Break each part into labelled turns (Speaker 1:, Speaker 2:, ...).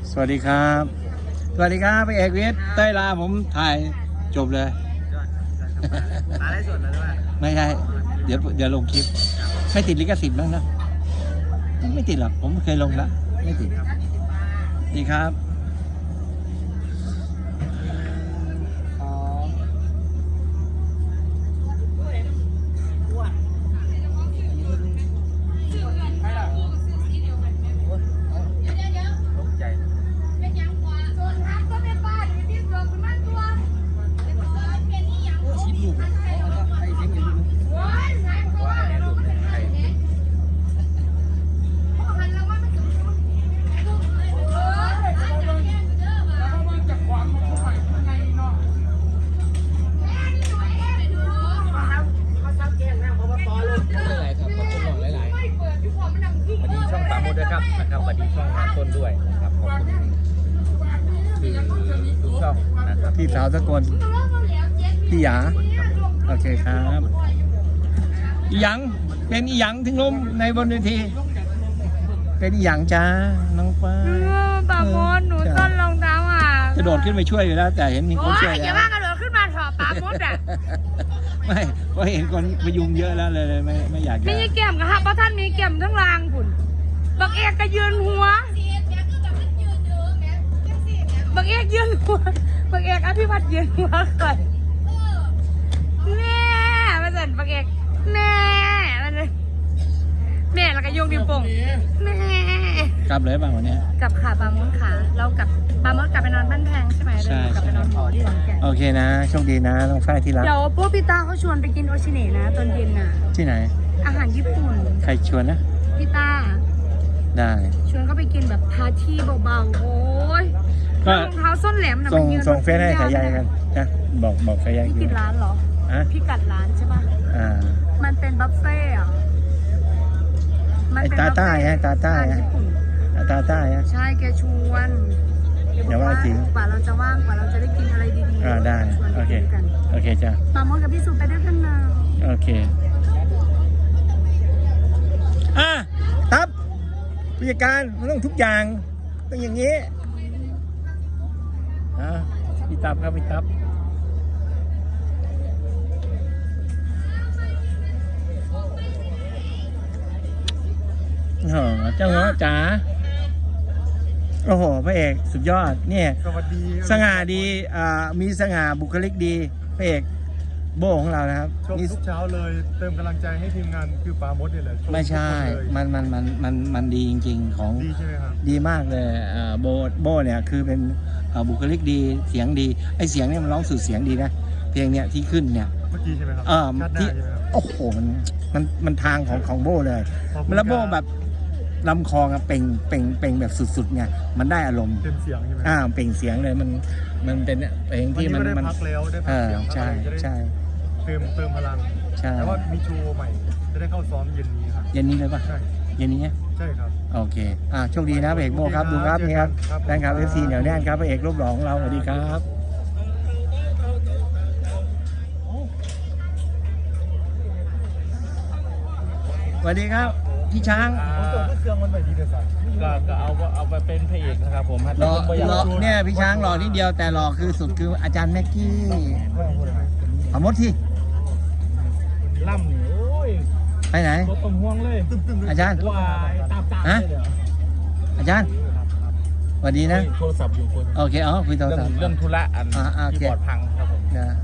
Speaker 1: สวัสดีครับสวัสดีครับพี่เอกวิทย์เต้ยลาผมถ่ายจบเลย
Speaker 2: มาได้ส่วนแล้วใช่ไหม
Speaker 1: ไม่ใช่เดี๋ยวลงคลิปไม่ติดลิขสิทธิ์บ้างนะไม่ติดหรอกผมเคยลงแล้วไม่ติดดีครับ
Speaker 2: นะครับสวัสดีช่องต้นด้วยนะครับขอบคุณคือทุกช่องนะครับ
Speaker 1: พี่สาวสกลพี่หยาโอเคครับอีหยังเป็นอีหยังถึงล้มในบนเวทีเป็นอีหยังจ้าน้องป้า
Speaker 3: บางคนหนูต้นรองเท้าอ่ะ
Speaker 1: จะโดดขึ้นไปช่วยอยู่แล้วแต่เห็นมีคนช่วยแล้ว
Speaker 3: อย่าว่ากระโดดขึ้นมาถอดปากมดอ่ะ
Speaker 1: ไม่เพราะเห็นคนพยุงเยอะแล้วเลยไม่อยาก
Speaker 3: มีเกี่ยมครับเพราะท่านมีเกี่ยมทั้งรางผุนบักเอกก็ยืนหัวบักเอกยืนหัวบักเอกอภิวัตยืนหัวก่อนแม่มาสั่นบักเอกแม่มันเลยแม่แล้วก็โยงนิ้วโป้งแม่
Speaker 1: กลับเลยบ้างวันนี้
Speaker 3: กลับค่ะปามดค่ะเรากลับปามดกลับไปนอนบ้านแพงใช่ไหมเรากลับไปนอนหอที่หลังแก
Speaker 1: โอเคนะโชคดีนะน้องฝ้ายที่รัก
Speaker 3: เดี๋ยวพวกพี่ตาเขาชวนไปกินโอชิเนะนะตอนเย็นน่ะ
Speaker 1: ที่ไหน
Speaker 3: อาหารญี่ปุ่น
Speaker 1: ใครชวนนะ
Speaker 3: พี่ตา
Speaker 1: ได้
Speaker 3: ชวนเขาไปกินแบบพาร์ตี้เบาๆโอ้ยรองเท้าส้นแหลมนะมันยืน
Speaker 1: ส่งเฟซให้ขายใหญ่กันนะบอกขายใหญ่
Speaker 3: พี่กินร้านเหรอพี่กัดร้านใช่ป่ะมันเป็นบัฟเฟ่อะ
Speaker 1: ไอ้ตาใต้ฮะตาใต้ฮะตาใต้ฮะ
Speaker 3: ใช่แกชวน
Speaker 1: เดี๋ยวว่าจริง
Speaker 3: กว่าเราจะว่างกว่าเราจะได้กินอะไรดี
Speaker 1: ๆได้โอเคจ้ะ
Speaker 3: ปามดกับพี่สุไปด้วยกันนะ
Speaker 1: โอเคครับผู้จัดการมันต้องทุกอย่างต้องอย่างนี้พี่ตับครับพี่ตับเจ้าเงาะจ๋าโอ้โหพระเอกสุดยอดเนี่ย
Speaker 2: สวัสดี
Speaker 1: สง่าดีมีสง่าบุคลิกดีพระเอกโบของเรานะครับ
Speaker 2: ชมทุกเช้าเลยเติมกำลังใจให้ทีมงานคือปาโมดเนี่ยแหละ
Speaker 1: ไม่ใช่มันดีจริงๆของ
Speaker 2: ดีใช่ไหมครับ
Speaker 1: ดีมากเลยโบเนี่ยคือเป็นบุคลิกดีเสียงดีไอเสียงเนี่ยมันร้องสุดเสียงดีนะเพลงเนี่ยที่ขึ้นเนี่ย
Speaker 2: เมื่อกี้ใช่ไหมครับ
Speaker 1: ที่โอ้โหมันทางของโบเลยแล้วโบแบบลำคอเป่งแบบสุดๆไงมันได้อารมณ์
Speaker 2: เป็นเสียงใช่ไหม
Speaker 1: เป่งเสียงเลยมันเป็นเพลงที่มัน
Speaker 2: พักแล้วได้พักเสียง
Speaker 1: ใช่
Speaker 2: เติมพลังแต่ว่ามีโชว์ใหม่จะได้เข้าซ้อมเย็นนี้ครับ
Speaker 1: เย็นนี้เลยป่ะ
Speaker 2: ใช่
Speaker 1: เย็นนี้
Speaker 2: ใช่ครับ
Speaker 1: โอเคโชคดีนะพระเอกโบครับดูครับนี่ครับแฟนคลับFCเหนียวแน่นครับพระเอกรูปหล่อของเราสวัสดีครับสวัสดีครับพี่ช้าง
Speaker 2: เครื่องมันใหม่ดีเลยสัก็เอาไปเป็นพระเอกนะครับผม
Speaker 1: หล่อเนี่ยพี่ช้างหล่อนิดเดียวแต่หล่อคือสุดคืออาจารย์แม็กกี้ขมดที่
Speaker 2: ล่ำนี่โอ้ย
Speaker 1: ไปไหน
Speaker 2: รถต้มห่วงเลย
Speaker 1: อาจารย์ฮะอาจารย์สวัสดีนะ
Speaker 2: โทรศัพท์อยู่คน
Speaker 1: โอเคคุยโทรศัพท์
Speaker 2: เรื่องธุระที่บอร์ดพังครับผม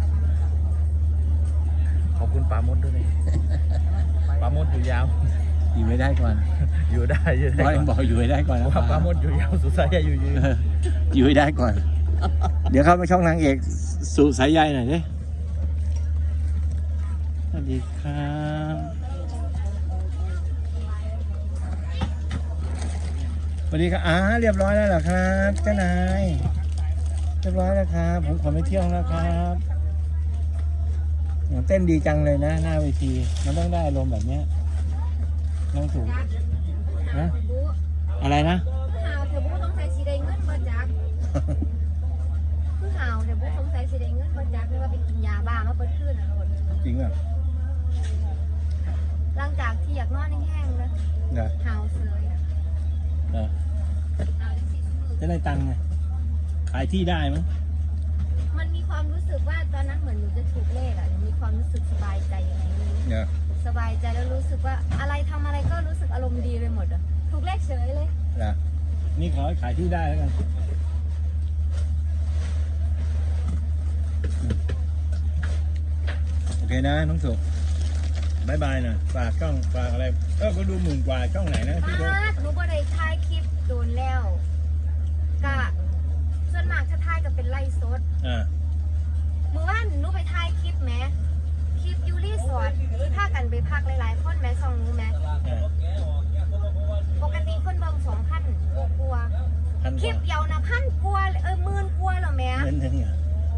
Speaker 2: ขอบคุณปาโมดด้วยปาโมดอยู่ยาว
Speaker 1: อยู่ไม่ได้ก่อน
Speaker 2: อยู่ได้
Speaker 1: บอกอยู่ไม่ได้ก่อนนะ
Speaker 2: ปาโมดอยู่ยาวสุดสายใยอยู่
Speaker 1: ไม่ได้ก่อนเดี๋ยวเข้ามาช่องนางเอกสุสายใยหน่อยดิสวัสดีครับสวัสดีครับเรียบร้อยแล้วเหรอครับเจ้านายเรียบร้อยแล้วครับผมขอไปเที่ยวแล้วครับเต้นดีจังเลยนะหน้าเวทีมันต้องได้อารมณ์แบบนี้น้องถูกนะอะไรนะ
Speaker 3: ข่าวเธอบุ้งสงสัยสีแดงเงินมาจากคือข่าวเธอบุ้งสงสัยสีแดงเงินมาจากไม่ว่าไปกินยาบ้ามาเปิดขึ้นอ่ะ
Speaker 1: จริงอ่ะ
Speaker 3: หลังจากที่อยากนอนแห้งๆนะข่าวเสยข่าวที่สีมือ
Speaker 1: จะได้ตังค์ไงขายที่ได้มั้ง
Speaker 4: มันมีความรู้สึกว่าตอนนั้นเหมือนหนูจะถูกเลขอ่ะหนูมีความรู้สึกสบายใจยังไงไม่รู้
Speaker 1: เนี่ย
Speaker 4: สบายใจแล้วรู้สึกว่าอะไรทำอะไรก็รู้สึกอารมณ์ดีไปหมดอ่ะถูกเลขเฉยเลย
Speaker 1: นะนี่ขอให้ขายที่ได้แล้วกันโอเคนะน้องสุบายบายนะฝากช่องฝากอะไรก็ดูหมื่นกว่าช่องไหนนะที่เขา
Speaker 4: หนูบ่ได้ถ่ายคลิปโดนแล้วกะส่วนมากจะถ่ายกับเป็นไล่สด เมื่อวานหนูไปถ่ายคลิปแหมคลิปยูรีสอร์ทที่พากันไปพักหลายๆคนแหมส่องหนูแหมปกติคนเบิ่ง2,000กว่าคลิปเดียวนะ1,000กว่า10,000กว่าแล้วแหม
Speaker 1: เงินหนึ่งอ่ะ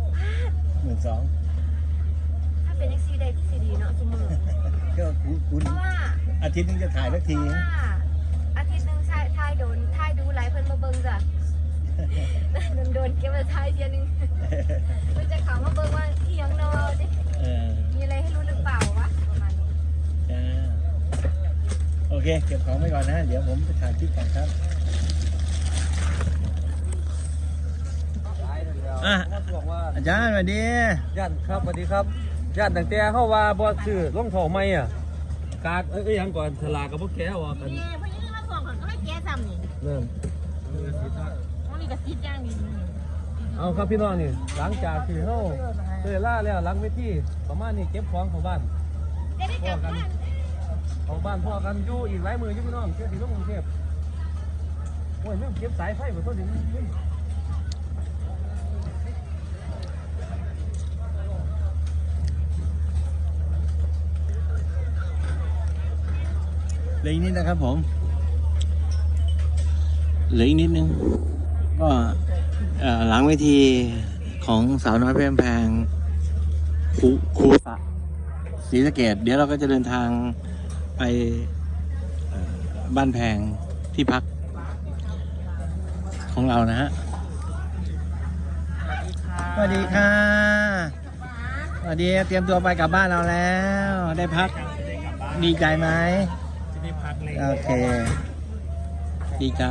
Speaker 1: 12,000
Speaker 4: ถ้าเป็นซีได้ที่ซีดีเนาะสมมือ
Speaker 1: ก็คุณ
Speaker 4: เพราะว่า
Speaker 1: อาทิตย์นึงจะถ่ายสักที
Speaker 4: อาทิตย์นึงถ่ายดูหลายเพิ่นมาเบิ่งจ้ะโดนเก็บไว้ถ่ายเทียนึงเพิ่นจะเข้ามาเบิ่งว่าอีหยังเนาะมีอะไรให้รู้หรือเปล่าวะประมาณนี้
Speaker 1: จ้าโอเคเก็บของไว้ก่อนนะ เดี๋ยวผมไปถ่ายคลิปก่อนครับอาจารย์สวัสดี
Speaker 2: ญาติครับสวัสดีครับญาติตั้งแต่เข้าว่าบอสซื้อรองเท้าใหม่อ่ะกากยังก่อนสลากกับพวกแกว่ากัน
Speaker 3: นี่เพราะยังมาส่งก่อนก็ไม่แก้ซ้ำนี่
Speaker 2: เริ่ม
Speaker 3: ต้องมีกระซิบย่างนี่
Speaker 2: เอาครับพี่น้องนี่หลังจากที่เข้าเตยล่าแล้วหลังเวทีประมาณนี้เก็บของเข้าบ้านพ่อกันเข้าบ้านพ่อกันอยู่อีกหลายมืออยู่พี่น้องเชื่อที่ลงกรุงเทพโอ้ยแม่งเก็บสายไฟมาต้นนี้
Speaker 1: เหลืออีกนิดนะครับผมเหลืออีกนิดนึงก็หลังเวทีของสาวน้อยเพชรแพงครูศรีสะเกษเดี๋ยวเราก็จะเดินทางไปบ้านแพงที่พักของเรานะฮะสวัสดีค่ะสวัสดีเตรียมตัวไปกลับบ้านเราแล้วได้พักดีใจไหมโอเคดีใจ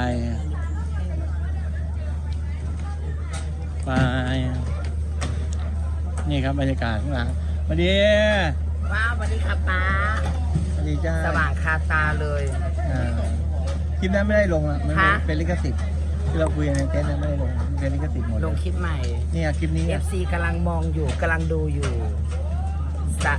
Speaker 1: ไปนี่ครับบรรยากาศข้างหลังสวัสดี
Speaker 3: ว้าวสวัสดีค่ะป้า
Speaker 1: สวัสดีจ้า
Speaker 3: สว่างคาตาเลย
Speaker 1: คลิปนั้นไม่ได้ลงอ่ะมัน
Speaker 3: ฮะ
Speaker 1: เป็นลิขสิทธิ์ที่เราคุยกันในเทปนั้นไม่ได้ลงมันเป็นลิขสิทธิ์หมด
Speaker 3: ลงคลิปใหม่
Speaker 1: นี่คลิปนี้
Speaker 3: FC กำลังมองอยู่กำลังดูอยู่สะ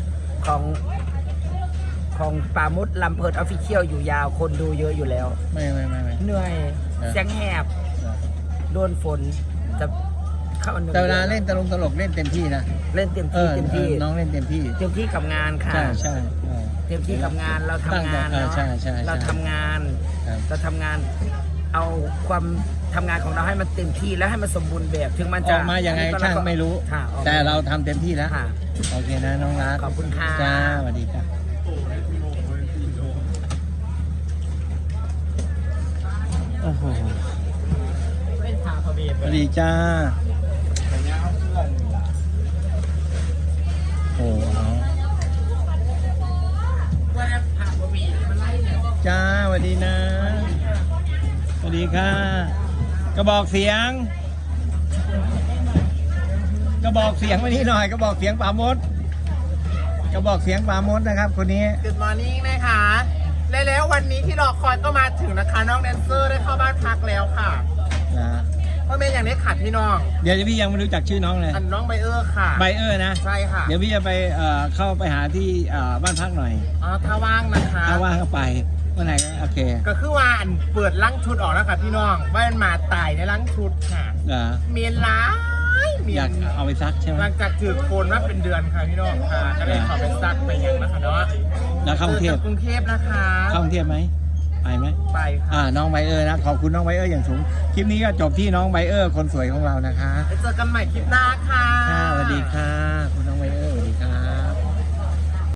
Speaker 3: ของปามุดลำเพิดออฟฟิเชียลอยู่ยาวคนดูเยอะอยู่แล้ว
Speaker 1: ไม่
Speaker 3: เหนื่อยเสียงแหบโดนฝนจะเข้าหนึ่ง
Speaker 1: แต่เวลาเล่นตลกเล่นเต็มที่นะ
Speaker 3: เล่นเต็มที่เต็มที่
Speaker 1: น้องเล่นเต็มที่
Speaker 3: เต็มที่กับงานค่ะ
Speaker 1: ใช่
Speaker 3: เต็มที่กับงานเราทำงาน
Speaker 1: ตั้งใจ
Speaker 3: เนาะ
Speaker 1: ใช่
Speaker 3: เราทำงาน
Speaker 1: ครับ
Speaker 3: เราทำงานเอาความทำงานของเราให้มันเต็มที่แล้วให้มันสมบูรณ์แบบถึงมัน
Speaker 1: อ
Speaker 3: จะ
Speaker 1: อกมายังไงช่างไม่รู้
Speaker 3: ค่ะออกมา
Speaker 1: แต่เราทำเต็มที่แล้ว
Speaker 3: ค่ะ
Speaker 1: โอเคนะน้องรัก
Speaker 3: ขอบคุณค่ะ
Speaker 1: จ้าสวัสดีครับโอ้โห
Speaker 3: เป็นขาพอดี
Speaker 1: สวัสดีจ้าโอ้โหจ้าสวัสดีนะสวัสดีค่ะกระบอกเสียงมานี่หน่อยกระบอกเสียงป่ามดกระบอกเสียงป่ามดนะครับคนนี้
Speaker 5: Good morning นะคะแล้ววันนี้ที่รอคอยก็มาถึงนะคะน้องแดนเซอร์ได้เข้าบ้านพักแล้วค่ะ
Speaker 1: นะ
Speaker 5: เพราะเป็นอย่างนี้ขาดพี่น้อง
Speaker 1: เดี๋ยวพี่ยังไม่รู้จักชื่อน้องเลย
Speaker 5: อันน้องไบเออร์ค่ะ
Speaker 1: ไบเออร์นะ
Speaker 5: ใช่ค่ะ
Speaker 1: เดี๋ยวพี่จะไปเข้าไปหาที่บ้านพักหน่อย
Speaker 5: อ๋อถ้าว่างนะคะ
Speaker 1: ถ้าว่างก็ไปเมื่อไหร่ก็โอเค
Speaker 5: ก็คือว่าอันเปิดลังชุดออกแล้วค่ะพี่น้องว่ามันมาตายในลังชุดค่ะ
Speaker 1: เหรอ
Speaker 5: เมียนร้ายเมี
Speaker 1: อย ยาก
Speaker 5: น
Speaker 1: เอาไปซักใช่ไหม
Speaker 5: หลังจากถือโคนมาเป็นเดือนค่ะพี่น้องค่ะก็เลยขอไปซักไปยังนะคะเนาะ
Speaker 1: แล้วเข้ากรุงเทพ
Speaker 5: กรุงเทพนะคะ
Speaker 1: เข้ากรุงเทพไหมไปไหม
Speaker 5: ไปค่ะ
Speaker 1: น้องไบเออร์นะขอบคุณน้องไบเออร์อย่างสูงคลิปนี้ก็จบที่น้องไบเออร์คนสวยของเรานะคะ
Speaker 5: ไปเจอกันใหม่คลิปหน้าค่ะ
Speaker 1: สวัสดีค่ะคุณน้องไบเออร์